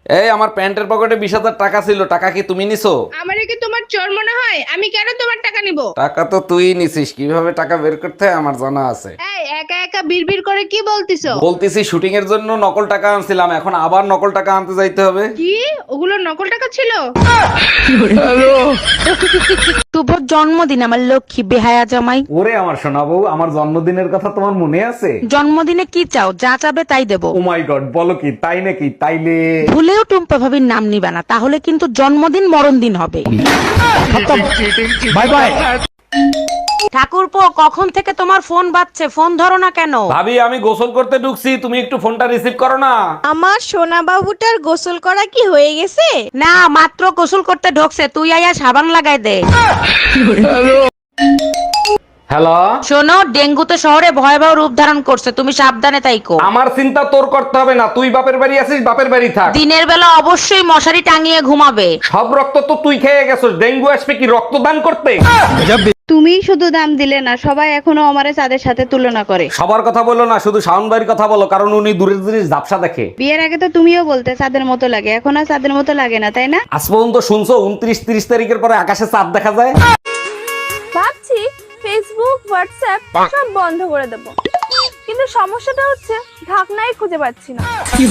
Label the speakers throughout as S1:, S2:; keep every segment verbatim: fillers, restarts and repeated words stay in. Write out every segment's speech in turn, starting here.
S1: এই আমার প্যান্টের পকেটে বিশ হাজার টাকা ছিল, টাকা কি তুমি নিছো?
S2: আমারে কি তোমার চোর মনে হয়? আমি কেন তোমার টাকা নিব?
S1: টাকা তো তুই নিছিস, কিভাবে টাকা বের করতে হয় আমার জানা আছে।
S2: এই একা একা বিড়বিড় করে কি বলতিছো?
S1: বলতেছি শুটিং এর জন্য নকল টাকা আনছিলাম, এখন আবার নকল টাকা আনতে যাইতে হবে।
S2: কি ওগুলো নকল টাকা ছিল?
S3: শুভ জন্মদিন আমার লক্ষ্মী বেহায়া জামাই।
S1: ওরে আমার সোনা বউ, আমার জন্মদিনের কথা তোমার মনে আছে?
S3: জন্মদিনে কি চাও? যা চাবে তাই দেবো।
S1: ও মাই গড, বলো কি তাই নাকি? তাইলে
S3: ভুলেও টুম্পা ভাবির নাম নিবা না, তাহলে কিন্তু জন্মদিন মরণ দিন হবে।
S1: Bye bye.
S3: ঠাকুরপো, কখন থেকে তোমার ফোন বাজছে, ফোন ধরো না কেন?
S1: ভাবি আমি গোসল করতে ঢুকছি, তুমি একটু ফোনটা রিসিভ করো না।
S4: আমার সোনা বাবুটার গোসল করা কি হয়ে গেছে?
S3: না, মাত্র গোসল করতে ঢোকছে, তুই আয়া সাবান লাগাই দে।
S1: হ্যালো,
S3: শোনো, ডেঙ্গু তো শহরে ভয়াবহ রূপ ধারণ করছে, তুমি সাবধানে তাইকো।
S1: আমার চিন্তা তোর করতে হবে না, তুই বাপের বাড়ি আছিস, বাপের বাড়ি থাক।
S3: দিনের বেলা অবশ্যই মশারি টাঙিয়ে ঘুমাবে।
S1: সব রক্ত তো তুই খেয়ে গেছিস, ডেঙ্গু আসবে কি রক্তদান করতে?
S2: তুমি শুধু দাম দিলে না, সবাই এখনো আমারে চাঁদের সাথে তুলনা করে।
S1: সবার কথা বলো না, শুধু শাওন ভাইয়ের কথা বলো, কারণ উনি দূরের জিনিস ঝাপসা দেখে।
S2: বিয়ের আগে তো তুমিও বলতে চাঁদের মতো লাগে, এখন আর চাঁদের মতো লাগে না, তাই না?
S1: আজ পর্যন্ত শুনছো উনত্রিশ তিরিশ তারিখের পরে আকাশে চাঁদ দেখা যায়?
S4: ভাবছি ফেসবুক হোয়াটসঅ্যাপ সব বন্ধ করে দেব, কিন্তু সমস্যাটা হচ্ছে ঢাকনাই খুঁজে পাচ্ছি না।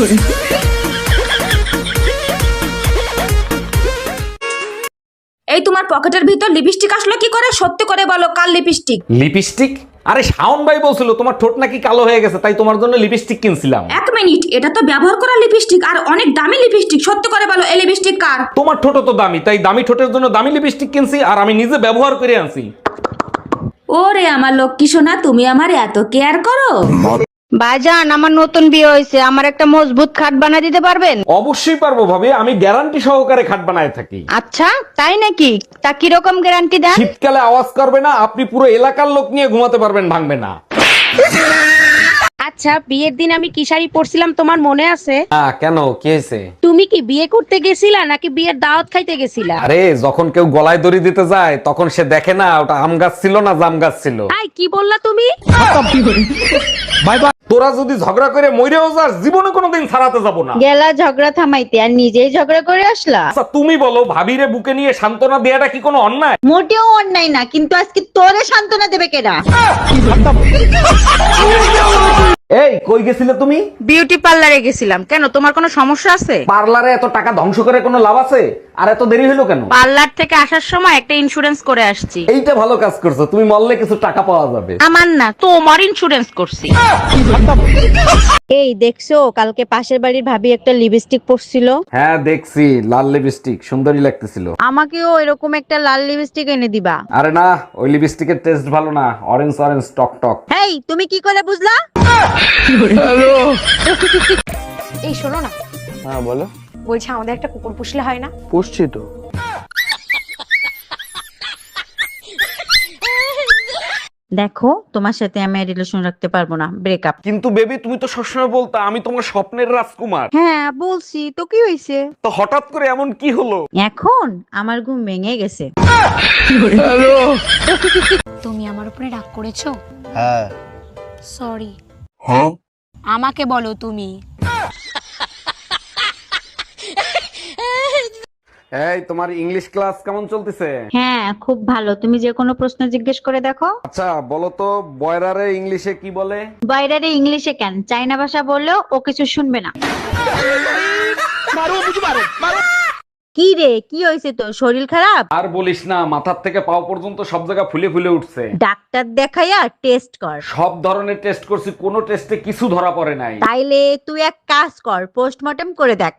S5: এই তোমার পকেটের ভিতর লিপস্টিক আসলো কি করে? সত্যি করে বলো, কাল লিপস্টিক?
S1: লিপস্টিক? আরে শাওন ভাই বলছিল তোমার ঠোঁট নাকি কালো হয়ে গেছে, তাই তোমার জন্য লিপস্টিক কিনছিলাম।
S5: এক মিনিট, এটা তো ব্যবহার করা লিপস্টিক আর অনেক দামি লিপস্টিক। সত্যি করে বলো, এই লিপস্টিক কার?
S1: তোমার ঠোঁট তো দামি, তাই দামি ঠোঁটের জন্য দামি লিপস্টিক কিনছি, আর আমি নিজে ব্যবহার করে আনছি।
S5: ওরে আমার লক্ষ্মী সোনা, তুমি আমার এত কেয়ার করো।
S4: ভাইজান, আমার নতুন বিয়ে হয়েছে, আমার একটা মজবুত খাট বানিয়ে দিতে পারবেন?
S1: অবশ্যই পারবো ভাবি, আমি গ্যারান্টি সহকারে খাট বানায় থাকি।
S4: আচ্ছা, তাই নাকি? তা কিরকম গ্যারান্টি দেন?
S1: শীতকালে আওয়াজ করবে না, আপনি পুরো এলাকার লোক নিয়ে ঘুমাতে পারবেন, ভাঙবে না।
S3: আচ্ছা, বিয়ের দিন আমি কি শাড়ি পরছিলাম তোমার মনে আছে?
S1: হ্যাঁ, কেন কি হয়েছে?
S3: তুমি কি বিয়ে করতে গেছিলা নাকি বিয়ের দাওয়াত খাইতে গেছিলা?
S1: আরে যখন কেউ গলায় দড়ি দিতে যায় তখন সে দেখে না ওটা আম গাছ ছিল না জাম গাছ ছিল।
S3: আই কি বললা তুমি?
S1: Bye bye. তোরা যদি ঝগড়া করে মইরেও যাস, জীবনে কোনোদিন ছাড়াতে যাব না।
S4: গেলা ঝগড়া থামাইতে আর নিজেই ঝগড়া করে আসলা?
S1: আচ্ছা তুমি বলো, ভাবিরে বুকে নিয়ে সান্ত্বনা দেয়াটা কি কোনো অন্যায়?
S4: মোটেও অন্যায় না, কিন্তু আজকে তোরে সান্ত্বনা দেবে কেডা?
S1: এই কই গেছিলে তুমি?
S3: বিউটি পার্লারে গেছিলাম। কেন, তোমার কোনো সমস্যা আছে?
S1: পার্লারে এত টাকা ধ্বংস করে কোনো লাভ আছে? আর এত দেরি হলো কেন?
S3: পার্লার থেকে আসার সময় একটা ইন্স্যুরেন্স করে আসছি।
S1: এইটা ভালো কাজ করছো, তুমি মরলে কিছু টাকা পাওয়া যাবে।
S3: আমার না, তোমার ইন্স্যুরেন্স করছি।
S4: এই দেখছো, কালকে পাশের বাড়ির ভাবি একটা লিপস্টিক পরছিল।
S1: হ্যাঁ দেখছি, লাল লিপস্টিক সুন্দরী লাগতেছিল।
S4: আমাকেও এরকম একটা লাল লিপস্টিক এনে দিবা।
S1: আরে না, ওই লিপস্টিকের টেস্ট ভালো না, অরেঞ্জ অরেঞ্জ টক টক।
S4: হেই, তুমি কি করে বুঝলা?
S6: এই শোনো না,
S7: হ্যাঁ বলো।
S6: বলছি আমাদের একটা কুকুর পুষলে হয় না?
S7: পুষছি তো।
S4: দেখো, তোমার সাথে আমি রিলেশন রাখতে পারবো না, ব্রেকআপ।
S1: কিন্তু বেবি তুমি তো সবসময় বলতা আমি তোমার স্বপ্নের রাজকুমার।
S4: হ্যাঁ বলছি তো, কি হয়েছে?
S1: তো হঠাৎ করে এমন কি হলো?
S4: এখন আমার ঘুম ভেঙে গেছে।
S6: তুমি আমার উপরে রাগ করেছো?
S7: হ্যাঁ।
S6: সরি।
S7: হ্যাঁ?
S6: আমাকে বলো তুমি।
S1: এই তোমার ইংলিশ ক্লাস কেমন চলতেছে?
S4: হ্যাঁ খুব ভালো, তুমি যে কোনো প্রশ্ন জিজ্ঞেস করে দেখো।
S1: আচ্ছা বলো তো, বয়রারে ইংলিশে কি বলে?
S4: বাইরে ইংলিশে কেন, চাইনা ভাষা বললেও ও কিছু শুনবে না। কি রে, কি হয়েছে তোর? শরীর খারাপ?
S1: আর বলিস না, মাথার থেকে পাও পর্যন্ত সব জায়গা ফুলে ফুলে উঠছে।
S4: ডাক্তার দেখাইয়া টেস্ট কর।
S1: সব ধরনের টেস্ট করছি, কোনো টেস্টে কিছু ধরা পড়ে নাই।
S4: তাইলে তুই এক কাজ কর, পোস্টমর্টম করে দেখ।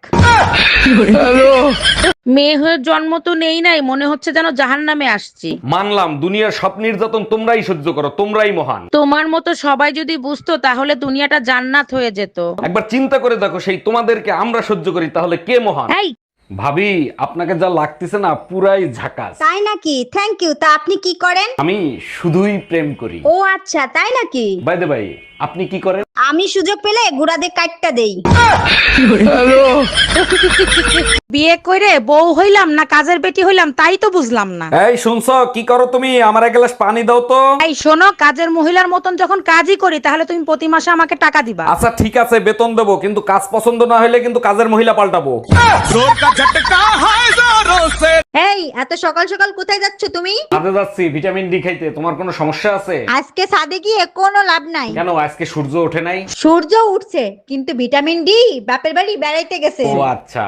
S3: মেয়ে হয়ে জন্ম তো নেই নাই, মনে হচ্ছে যেন জাহান্নামে আসছি।
S1: মানলাম দুনিয়ার সব নির্যাতন তোমরাই সহ্য করো, তোমরাই মহান।
S3: তোমার মতো সবাই যদি বুঝতো তাহলে দুনিয়াটা জান্নাত হয়ে যেত।
S1: একবার চিন্তা করে দেখো, সেই তোমাদেরকে আমরা সহ্য করি, তাহলে কে মহান?
S3: এই
S1: ভাবি আপনাকে যা লাগতেছে না, পুরাই ঝাকাস।
S4: তাই নাকি? Thank you. তা আপনি কি করেন?
S1: আমি শুধুই প্রেম করি।
S4: ও আচ্ছা, তাই নাকি?
S1: বাই দ্য ভাই, আপনি কি করেন?
S4: আমি সুযোগ পেলে গুড়াদের কাটটা দেই।
S3: বিয়ে করে বউ হইলাম না কাজের বেটি হইলাম তাই তো বুঝলাম না।
S1: এই শুনছো, কি করো তুমি? আমার এক গ্লাস পানি দাও তো।
S3: এই শোনো, কাজের মহিলার মতন যখন কাজই করি তাহলে তুমি প্রতি মাসে আমাকে টাকা দিবা।
S1: আচ্ছা ঠিক আছে, বেতন দেবো, কিন্তু কাজ পছন্দ না হলে কিন্তু কাজের মহিলা পাল্টাবো।
S8: এই এত সকাল সকাল কোথায় যাচ্ছ তুমি?
S1: কাজে যাচ্ছি ভিটামিন ডি খাইতে। তোমার কোনো সমস্যা আছে?
S8: আজকে ছাদে গিয়ে কোনো লাভ নাই।
S1: কেন, আজকে সূর্য ওঠে নাই?
S8: সূর্য উঠছে কিন্তু ভিটামিন ডি বাপের বাড়ি বেড়াইতে গেছে।
S1: ও আচ্ছা।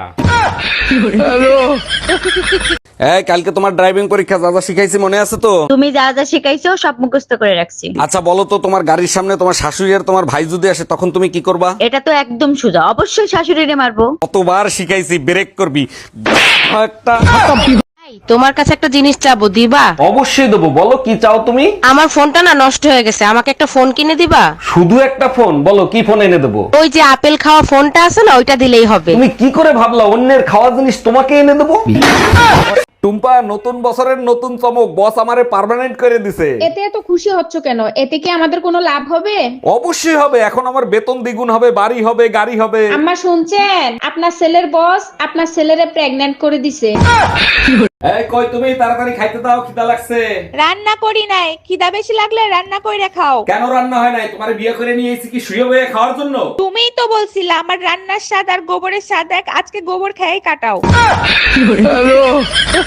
S1: এই কালকে তোমার ড্রাইভিং পরীক্ষা, যা যা শিখাইছি মনে আছে তো?
S8: তুমি যা যা শিখাইছো সব মুখস্থ করে রাখছি।
S1: আচ্ছা বলো তো, তোমার গাড়ির সামনে তোমার শাশুড়ি আর তোমার ভাই যদি আসে তখন তুমি কি করবা?
S8: এটা তো একদম সোজা, অবশ্যই শাশুড়িরে মারবো।
S1: কতবার শিখাইছি, ব্রেক করবি একটা।
S3: তোমার কাছে একটা জিনিস চাবো, দিবা?
S1: অবশ্যই দেবো, বলো কি চাও তুমি?
S3: আমার ফোনটা না নষ্ট হয়ে গেছে, আমাকে একটা ফোন কিনে দিবা?
S1: শুধু একটা ফোন? বলো কি ফোন এনে দেবো?
S3: ওই যে আপেল খাওয়া ফোনটা আছে না, ওইটা দিলেই হবে।
S1: তুমি কি করে ভাবলা অন্যের খাওয়া জিনিস তোমাকে এনে দেবো? টুম্পা, নতুন বছরের নতুন চমক, বস আমারে পার্মানেন্ট করে দিছে।
S9: এতে এত খুশি হচ্ছ কেন? এতে কি আমাদের কোনো লাভ হবে?
S1: অবশ্যই হবে, এখন আমার বেতন দ্বিগুণ হবে, বাড়ি হবে, গাড়ি হবে।
S9: আম্মা শুনছেন, আপনার ছেলের বস আপনার ছেলেরে প্রেগন্যান্ট করে দিছে।
S1: এই কই তুমি, তাড়াতাড়ি খাইতে দাও, খিদা লাগছে।
S4: রান্না করি নাই, খিদা বেশি লাগলে রান্না কইরা খাও।
S1: কেন রান্না হয় নাই? তোমারে বিয়ে করে নিয়ে এসেছি কি শুয়ে বয়ে খাওয়ার জন্য?
S4: তুমিই তো বলছিলা আমার রান্নার স্বাদ আর গোবরের স্বাদ এক, আজকে গোবর খেয়ে কাটাও।